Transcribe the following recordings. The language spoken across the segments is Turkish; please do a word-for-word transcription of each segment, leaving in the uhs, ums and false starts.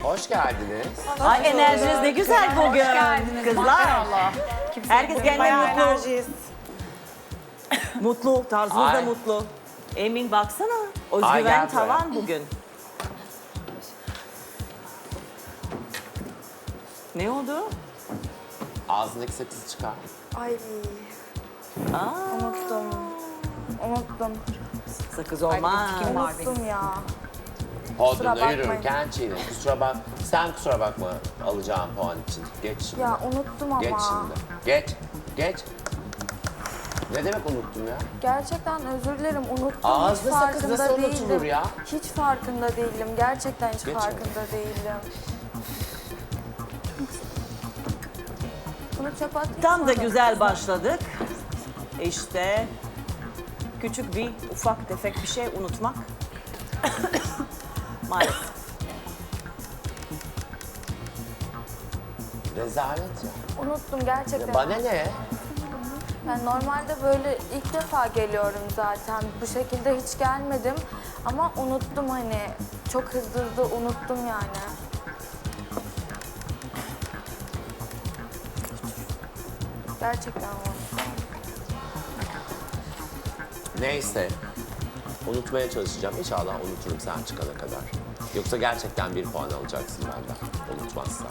Hoş geldiniz. Ay enerjiniz ne güzel bugün. Hoş geldiniz. Kızlar. Maşallah. Herkes kendine Bayağı mutlu. enerjiyiz. Mutlu, tarzınız da Ay. mutlu. Emin baksana, Ay, özgüven gel tavan bugün. Ne oldu? Ağzındaki sakızı çıkar. Ay Aa, unuttum. Unuttum. sakız olmaz. Unuttum ya. Podyumda bakmayın. yürürken çiğne. Kusura bak. Sen kusura bakma alacağım puan için. Geç şimdi. Ya unuttum ama. Geç şimdi. Geç. Geç. Ne demek unuttum ya? Gerçekten özür dilerim unuttum. Ağızda hiç sakız farkında nasıl unutulur değildim. ya? Hiç farkında değilim. Gerçekten hiç Geç farkında değilim. Bunu çöpe atayım Tam da sonra. güzel başladık. İşte küçük bir ufak tefek bir şey unutmak. Maalesef. Rezalet ya. Unuttum gerçekten. Bana ne? Ben normalde böyle ilk defa geliyorum zaten. Bu şekilde hiç gelmedim. Ama unuttum hani. Çok hızlı hızlı unuttum yani. Gerçekten unuttum. Neyse. Unutmaya çalışacağım. İnşallah unuturum sen çıkana kadar. Yoksa gerçekten bir puan alacaksın benden. Unutmazsan.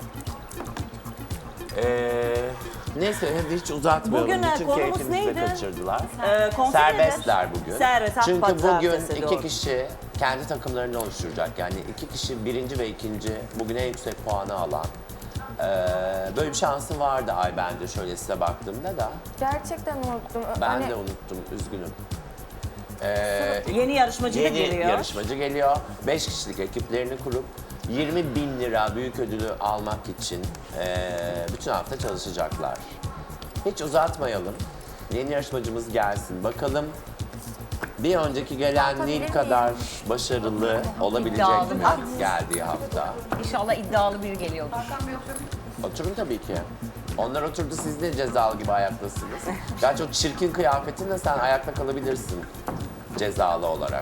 Ee, neyse hadi hiç uzatmayalım. Bugün, e, Bütün konumuz keyfimizi de neydi? kaçırdılar. Ee, konser Serbestler nedir? bugün. Serbest, halk Çünkü pazartesi, bugün iki doğru. kişi kendi takımlarını oluşturacak. Yani iki kişi birinci ve ikinci bugün en yüksek puanı alan. Ee, böyle bir şansı vardı ay bence şöyle size baktığımda da. Gerçekten unuttum. Ben Hani de unuttum üzgünüm. Ee, Yeni yarışmacı da Yeni geliyor. yarışmacı geliyor. Beş kişilik ekiplerini kurup yirmi bin lira büyük ödülü almak için eee, bütün hafta çalışacaklar. Hiç uzatmayalım. Yeni yarışmacımız gelsin. Bakalım bir önceki gelen Nil kadar başarılı olabilecek İddialı mi geldiği hafta? İnşallah iddialı biri geliyordur. Oturun tabii ki. Onlar oturdu, siz de cezalı gibi ayaktasınız. Gerçi o çirkin kıyafetinle sen ayakta kalabilirsin cezalı olarak.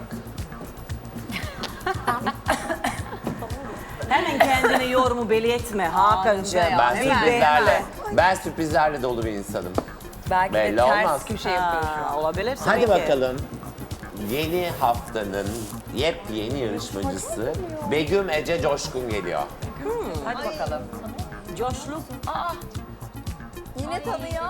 Hemen kendine yorumu belli etme Hakan'cığım. ya, Ben Bir sürprizlerle, bekle. ben sürprizlerle dolu bir insanım. Belki Belli de ters olmaz. köşe yapıyor şu an. Ha, olabilir tabii Hadi ki. bakalım. Yeni haftanın yepyeni yarışmacısı Begüm Ece Coşkun geliyor. Hadi bakalım. Coşlu. yine tanıyor.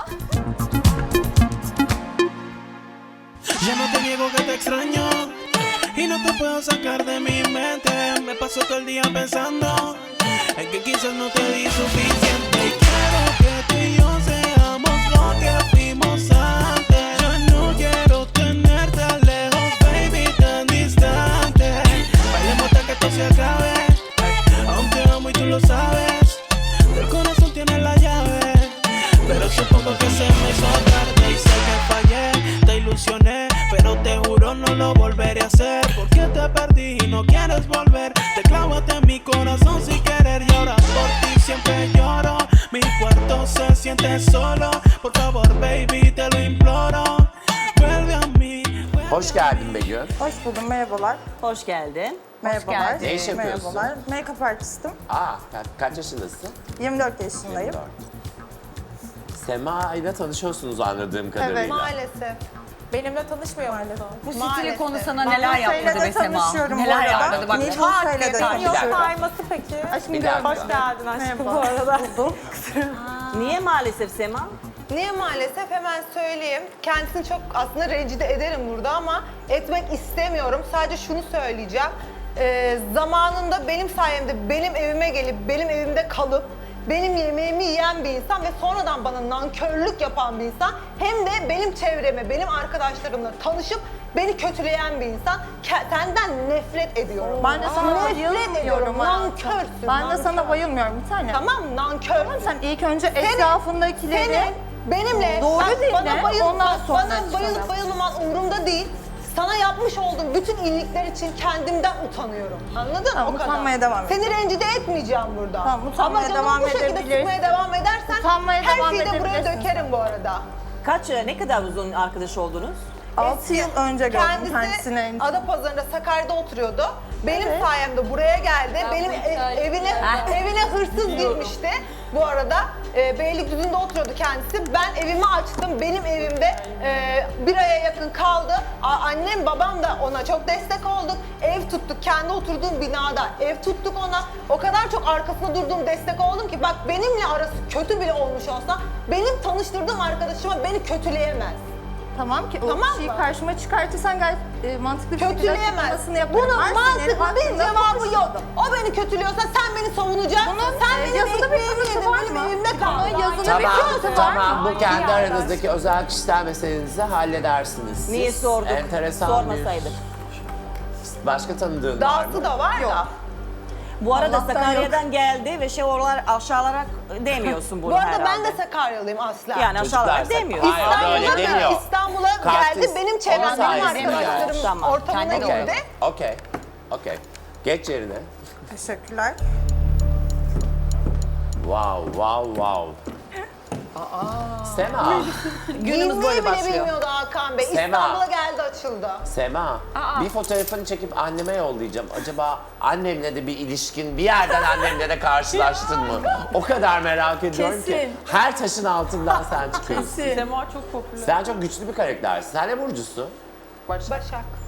Ya no te niego que te extraño y no te puedo sacar de mi mente. Me paso todo el día pensando en que quizás no te di suficiente. Y quiero que tú y yo seamos lo que fuimos antes. Ya no quiero tenerte lejos, baby, tan distante. Bailemos hasta que esto se acabe. Aún te amo y tú lo sabes. El corazón tiene la llave, pero supongo que se me hizo tarde y sé que fallé, te ilusioné, pero te juro no lo volveré a hacer. Porque te perdí y no quieres volver. Te clávate en mi corazón sin querer y ahora por ti siempre lloro. Mi cuarto se siente solo. Por favor, baby, te lo imploro. Vuelve a mí. Hoş geldin Begüm. Hoş buldum, merhabalar. Hoş geldin. Merhabalar. geldin. Ne iş yapıyorsun? Merhabalar. Make-up artistim. Aa, ka- kaç yaşındasın? yirmi dört yaşındayım. yirmi dört. Sema ile tanışıyorsunuz anladığım kadarıyla. Evet. Maalesef. Benimle tanışmıyor maalesef. Bu stili Maalesef. konu sana neler Buse'yle yaptırdı de be Sema? tanışıyorum bu Neler arada. yaptırdı bak. Nil Çok Buse'yle de Benim yok tanışıyorum. sayması peki. Aşkım Bir görmedim. dakika. Hoş geldin aşkım Merhaba. bu arada. Buldum. Niye maalesef Sema? Niye maalesef hemen söyleyeyim. Kendisini çok aslında rencide ederim burada ama etmek istemiyorum. Sadece şunu söyleyeceğim. Ee, zamanında benim sayemde benim evime gelip benim evimde kalıp benim yemeğimi yiyen bir insan ve sonradan bana nankörlük yapan bir insan hem de benim çevreme, benim arkadaşlarımla tanışıp beni kötüleyen bir insan. Ke- senden nefret ediyorum. Ben de sana Nefret ediyorum. bayılmıyorum hayatım. Nankörsün. Ben de nankör. sana bayılmıyorum bir tane. Tamam nankör. Tamam, sen ilk önce etrafındakileri... Senin benimle Doğru bak, dinle, bana bayıl, ondan bak, sonra bana çıkalım. bayılıp bayılmaman umurumda değil. Sana yapmış olduğum bütün iyilikler için kendimden utanıyorum. Anladın? Tamam, o kadar. utanmaya devam et. Seni rencide etmeyeceğim burada. Tamam, utanmaya Ama canımı devam bu şekilde edebilirsin. sıkmaya devam edersen Utanmaya her devam şeyi de buraya edebilirsin. dökerim bu arada. Kaç, ne kadar uzun arkadaş oldunuz? altı yıl önce gördüm Kendisi kendisini. Adapazarı'nda Sakarya'da oturuyordu. Benim sayemde buraya geldi. Benim e- evine evine hırsız girmişti. Bu arada e, Beylikdüzü'nde oturuyordu kendisi. Ben evimi açtım. Benim evimde e, bir aya yakın kaldı. A- annem babam da ona çok destek olduk. Ev tuttuk. Kendi oturduğum binada ev tuttuk ona. O kadar çok arkasında durduğum, destek oldum ki bak benimle arası kötü bile olmuş olsa benim tanıştırdığım arkadaşıma beni kötüleyemez. Tamam ki o Tamam kişiyi mı? karşıma çıkartırsan gayet e, mantıklı bir şekilde Kötüleyemez. açıklamasını yaparım. Bunun Ben senin mantıklı bir hakkında cevabı konuşurum. yok. O beni kötülüyorsa sen beni savunacaksın. Bunun, sen e, benim yazılı bir ekmeğimi kanıtı yedin, var benim mı? evimde Bunun kaldın. yazılı bir Tamam, kanıtı var tamam. mı? Bu kendi aranızdaki özel kişisel meselenizi halledersiniz. Siz Niye sorduk? Enteresan Sormasaydık. bir... Başka tanıdığın var mı? Dahası da var da. Bu arada Allah'tan Sakarya'dan geldi ve şey oralar aşağılarak demiyorsun bunu Bu arada herhalde. ben de Sakaryalıyım asla. Yani aşağılarak Çocuklar, demiyorsun. Hayır, öyle İstanbul'a demiyor. İstanbul'a Kartist. geldi. Benim çevrem, Onun benim sayesinde arkadaşlarım geldi. Tamam, ortamına kendi Okey, girdi. okey, okey. Geç yerine. Teşekkürler. Wow, wow, wow. Sema, Günümüz Giyinmeyi böyle bile başlıyor. bilmiyordu Hakan Bey. Sema. İstanbul'a geldi açıldı. Sema. Bir fotoğrafını çekip anneme yollayacağım. Acaba annemle de bir ilişkin, bir yerden annemle de karşılaştın mı? O kadar merak ediyorum ki. Kesin. Her taşın altından sen çıkıyorsun. Sema çok popüler. Sen çok güçlü bir karaktersin. Sen ne burcusun? Başak.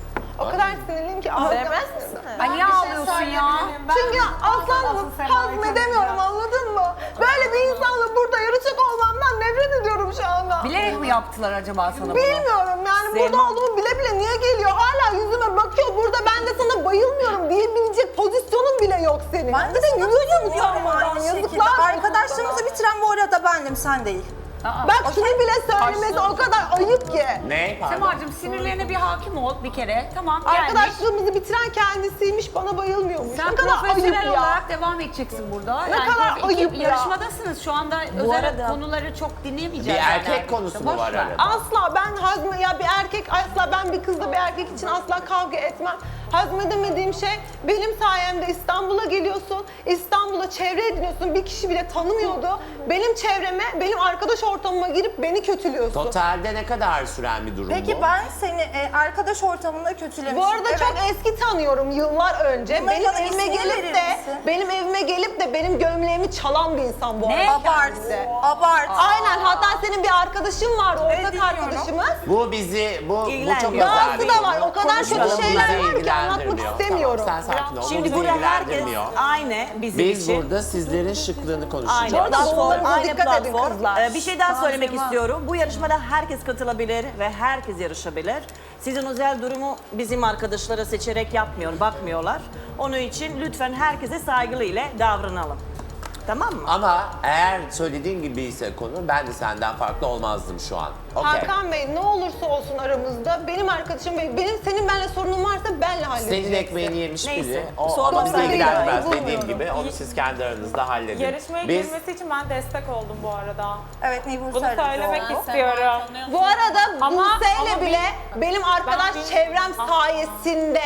O kadar sinirliyim ki ağlayamaz mısın? Ay niye ağlıyorsun ya? Çünkü aslanım hazmedemiyorum anladın mı? Böyle bir insanla burada yarışacak olmamdan nefret ediyorum şu anda. Bilerek mi yaptılar acaba sana bunu? Bilmiyorum yani burada Sema. olduğumu bile bile niye geliyor? Hala yüzüme bakıyor burada ben de sana bayılmıyorum diyebilecek pozisyonun bile yok senin. Ben de Bir de sana yürüyorsun bayılıyorum yani aynı şekilde. yazıklar olsun Arkadaşlarımızı bitiren bu arada bendim, sen değil. Aa. Bak şunu bile söylemesi o kadar ayıp ki. Ne? Pardon. Semacığım sinirlerine bir hakim ol bir kere. Tamam geldik. Arkadaşlığımızı bitiren kendisiymiş bana bayılmıyormuş. Sen ne kadar ayıp profesyonel ya. olarak devam edeceksin burada. Ne kadar tabii ayıp iki ya. yarışmadasınız. Şu anda özel arada- konuları çok Bir dinleyemeyeceğiz. erkek yani. konusu mu Boş var ver. arada? Asla ben hazme ya bir erkek asla ben bir kızla bir erkek için asla kavga etmem. Hazmedemediğim şey benim sayemde İstanbul'a geliyorsun. İstanbul'a çevre ediniyorsun. Bir kişi bile tanımıyordu. Benim çevreme, benim arkadaş ortamıma girip beni kötülüyorsun. Totalde ne kadar süren bir durum Peki bu? ben seni e, arkadaş ortamında kötülemişim. Bu arada Evet. çok eski tanıyorum yıllar önce. Bunların benim bana evime ismini gelip verir de misin? benim evime gelip de benim gömleğimi çalan bir insan bu Ne? arada. Abart, kendisi. abart. Aynen hatta senin bir arkadaşın var ortak Evet, dinliyorum. arkadaşımız. Bu bizi, bu, bu çok İlgilenmiyor. özel Dahası bir da var. konu. O kadar kötü Konuşalım, şeyler bizi var ki anlatmak ilgilendirmiyor. istemiyorum. Tamam, sen sakin ol. Bu Şimdi bizi burada herkes ilgilendirmiyor. aynı bizim Biz için. burada sizlerin şıklığını konuşacağız. Aynı platform, bunlara aynı dikkat edin platform. kızlar. Ee, bir şey daha söylemek istiyorum. Bu yarışmada herkes katılabilir ve herkes yarışabilir. Sizin özel durumu bizim arkadaşlara seçerek yapmıyor, bakmıyorlar. Onun için lütfen herkese saygılı ile davranalım. Tamam mı? Ama eğer söylediğin gibi ise konu, ben de senden farklı olmazdım şu an. Okey. Hakan Bey ne olursa olsun aramızda benim arkadaşım Bey benim senin benimle sorunun varsa benle halledeceksin. Senin ekmeğini yemiş Neyse, biri. O, o sormasaydın bizi ilgilendirmez da iyi dediğim bulmuyorum. gibi. Onu siz kendi aranızda halledin. Yarışmaya Biz girmesi için ben destek oldum bu arada. Evet, Nibur Bunu söyledi. söylemek Doğru. istiyorum. Bu arada Ama- Buse'yle ama bile benim arkadaş ben bil- çevrem sayesinde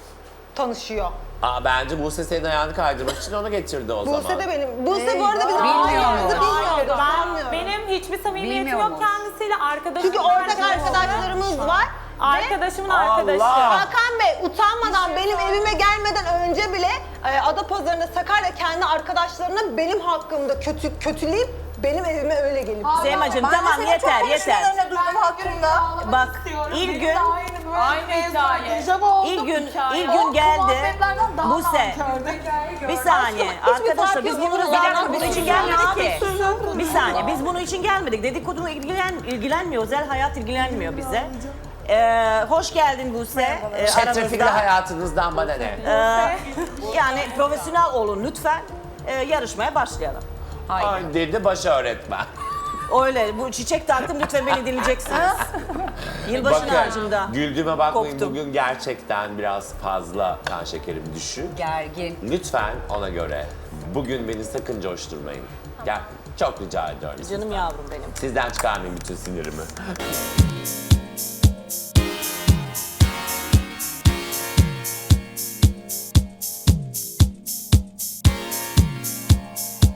tanışıyor. Aa, bence Buse senin ayağını kaydırmak için onu getirdi o zaman. Buse de benim. Buse bu arada bizim Bilmiyorum. ailemizi Hayır, bilmiyordu. ben, sanmıyorum. benim hiçbir samimiyetim Bilmiyor yok musun? kendisiyle. Arkadaşım Çünkü ortak arkadaşlarımız var. Ve Arkadaşımın Allah! arkadaşı. Hakan Bey utanmadan benim evime gelmeden önce bile e, Adapazarı'nda Sakarya kendi arkadaşlarına benim hakkımda kötü kötüleyip benim evime öyle gelip. Semacığım Ben de tamam senin yeter çok yeter. konuşmalarına duydum hakkında. Bak ilk gün Aynı hikaye. ilk gün ilk gün geldi. Buse. Bir saniye arkadaşlar biz bunu bir dakika bunun için gelmedik ki. Bir saniye biz bunun için gelmedik. Dedikodu ilgilen ilgilenmiyor. Özel hayat ilgilenmiyor bize. Ee, hoş geldin Buse. Ee, Çetrefilli aramızda. hayatınızdan bana ne? Ee, yani profesyonel olun lütfen. Ee, yarışmaya başlayalım. Ay dedi baş öğretmen. Öyle bu çiçek taktım lütfen beni dinleyeceksiniz. Yılbaşı ağacında. güldüğüme bakmayın, Koptum. bugün gerçekten biraz fazla kan şekerim düşük. Gergin. Lütfen ona göre bugün beni sakın coşturmayın. Gel, çok rica ediyorum. Canım yavrum benim. Sizden çıkarmayın bütün sinirimi.